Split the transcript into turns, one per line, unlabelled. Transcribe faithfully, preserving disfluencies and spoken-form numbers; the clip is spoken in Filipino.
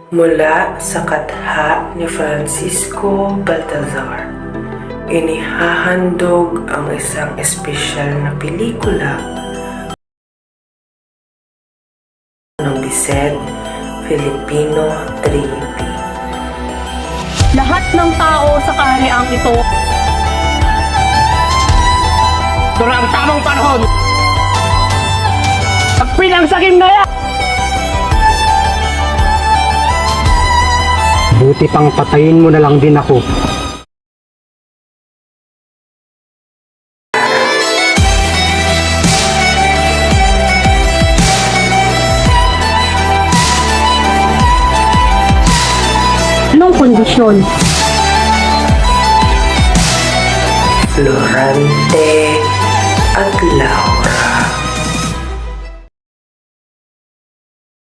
Mula sa katha ni Francisco Baltazar, inihahandog ang isang espesyal na pelikula ng Bised Filipino Trinity.
Lahat ng tao sa kahariang ito, ito na ang tamang panahon. Pagpinangsakim na yan!
Buti pang patayin mo na lang din ako.
Anong kondisyon?
Florante at Laura.